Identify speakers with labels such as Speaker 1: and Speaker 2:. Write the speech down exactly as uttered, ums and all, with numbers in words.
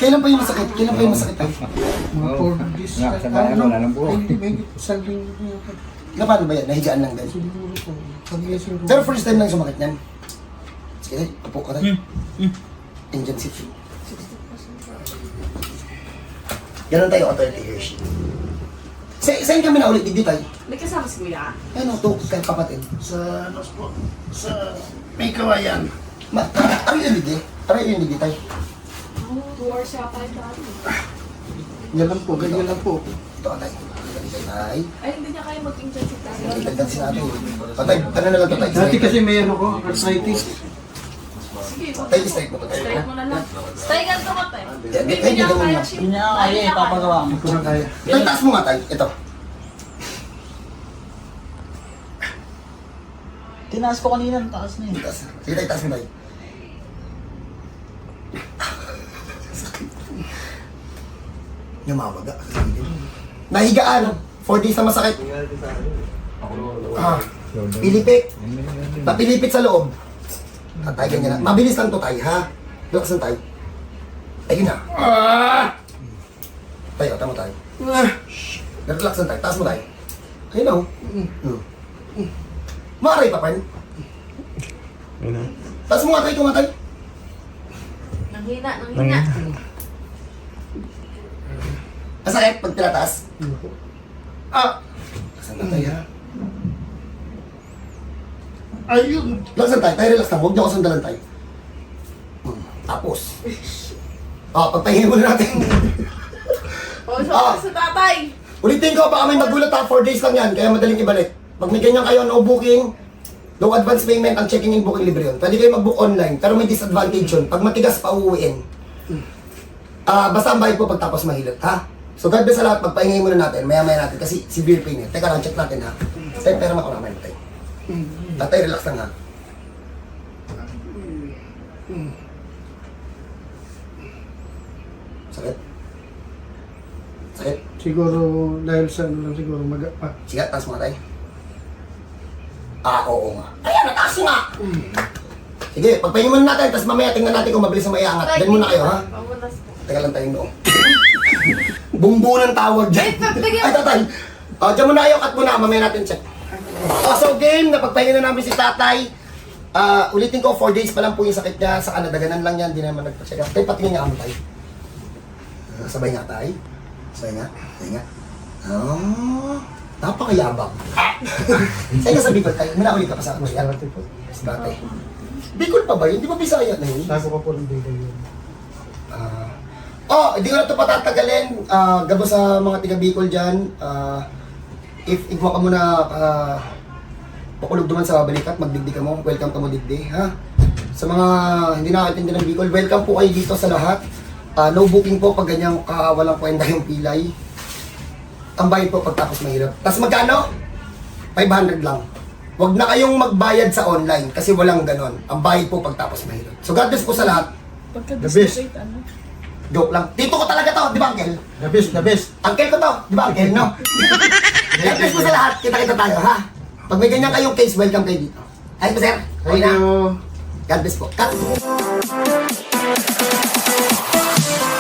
Speaker 1: Kailan pa yung masakit? Kailan pa yung masakit?
Speaker 2: Mga four days.
Speaker 3: Nga, sa bayan, wala nang buhok.
Speaker 2: Hindi, may isang linggo na yun.
Speaker 1: Na paano ba yan? Nahigaan lang din.
Speaker 2: Siguro po. Pag-iasing ko.
Speaker 1: Pero first time lang sumakit yan. Sige, upo ka tayo.
Speaker 3: Hmm.
Speaker 1: Indian seat. Ganun tayo, authority Hershey. Sa saan kami na ulit, digdi tayo?
Speaker 4: May kasama si Kuya?
Speaker 1: Ano to, kay kapatid?
Speaker 2: Sa, ano po, sa may kawayan.
Speaker 1: Ma, aray yung digdi? Aray yung digdi tayo?
Speaker 4: Oo, two hours siya pa yung dati.
Speaker 2: Yan lang po, ganyan lang po.
Speaker 1: Ito ka tayo. Ganito tayo.
Speaker 4: Ay, hindi niya kaya mag-intensive tayo.
Speaker 1: Itagdag si natin. Patay, ano na lang ito tayo?
Speaker 2: Dati kasi may ano ko, arthritis.
Speaker 4: Sige, wag
Speaker 1: Tayo, straight mo to tayo.
Speaker 4: straight mo na lang. Stay ganito ka tayo.
Speaker 1: Yan,
Speaker 4: Hindi
Speaker 1: kaya
Speaker 4: niya
Speaker 1: hindi
Speaker 4: kaya
Speaker 1: mo
Speaker 4: siya.
Speaker 5: Hindi niya kaya eh, papagawa mo.
Speaker 2: Hindi ko na kaya.
Speaker 1: Tayo, taas mo nga tayo. Ito.
Speaker 5: Tinaas ko kanina, ang taas na eh.
Speaker 1: Taas. Sige tayo, taas mo tayo. Namamaga. Nahigaan. Four days na masakit. Ah, pilipit. Papilipit sa loob. Tatay, ganyan na. Mabilis lang to tayo, ha? Relax lang tayo. Ayun na. Ah! Tayo, tama tayo.
Speaker 2: Ah,
Speaker 1: Relax lang tayo. Taas mo tayo. Ayun na, oh. Hmm. Maaray pa, Pan. Taas mo nga tayo, tumatay.
Speaker 4: Nanghina, nanghina.
Speaker 1: Masakit pag tinataas. Ah! Saan na tayo, ha?
Speaker 2: ayun.
Speaker 1: Relax lang tayo. Tayo, relax lang. Huwag niyo ako sandalan tayo. Hmm. Tapos. Ah, pagpahingin muna natin.
Speaker 4: O, so,
Speaker 1: Ah.
Speaker 4: sa tatay.
Speaker 1: Ulitin ko, baka may magulat ha. four days lang yan, kaya madaling ibalik. Pag may ganyan kayo, no booking, no advance payment, ang checking in booking libre yun. Pwede kayo mag-book online, pero may disadvantage yun. Pag matigas pa uuwiin. Ah, basta ang bayad po pagtapos mahilot, ha? So God bless sa lahat, pagpahingay muna natin, maya-maya natin, kasi severe pain yan. Teka lang, check natin ha. Tayo, pera makunaman natin. Tatay, relax lang ha. Sakit? Sakit?
Speaker 2: Siguro dahil sa ano lang siguro maga pa.
Speaker 1: Sige, taas mo nga tayo. Ah, oo nga. Ayan, nataas nga! Sige, pagpahingin muna natin, tapos mamaya tingnan natin kung mabilis na may angat. Diyan muna kayo, ha?
Speaker 4: Pamunas po.
Speaker 1: Teka lang tayong noong. Bumbu ng tawag dyan.
Speaker 4: Ay, pagbigyan-
Speaker 1: Ay, tatay. Oh, dyan muna kayo, cut muna. Mamaya natin check. Oh, so game, napagpahingin na namin si tatay. Ah, ulitin ko, four days pa lang po yung sakit niya. Sa kanadaganan lang yan, di naman nagpa-check up. Tayo, patingin nga kamo tayo. Ah, sabay nga tayo. Sabay nga. Sabay nga. Oh, napakayabang. Sa'yo nga sa Bicol tayo. Muna ulit ka pa sa ako. Yan.
Speaker 2: Dati po.
Speaker 1: Dati. Bicol pa ba yun? Di ba Bisaya na yun?
Speaker 2: Tago pa po ng bigay yun.
Speaker 1: Ah. Oh, hindi ko na ito patatagalin. Ah, gabo sa mga tiga Bicol dyan. Ah, if igwa ka muna, ah, pakulog duman sa balikat, magdigdi ka mo. Welcome ka mo digdi, ha? Sa mga hindi nakakaintindi ng Bicol, welcome po kayo dito sa lahat. Ah, no booking po pag ganyang kawalang kwenta yung pilay. Ang bayad po pagtapos mahirap. Tapos magkano? five hundred lang. Huwag na kayong magbayad sa online kasi walang ganon. Ang bayad po pagtapos mahirap. So God bless po sa lahat.
Speaker 2: The best.
Speaker 4: ano?
Speaker 1: Joke lang. Dito ko talaga to, di ba, Uncle?
Speaker 2: The best, the best.
Speaker 1: Uncle ko to, di ba, Uncle, no? God bless po sa lahat. Kita-kita tayo, ha? Pag may ganyan kayong case, welcome kayo dito. Ayos po, sir? Okay
Speaker 2: Thank
Speaker 1: na?
Speaker 2: you.
Speaker 1: God bless po. Cut!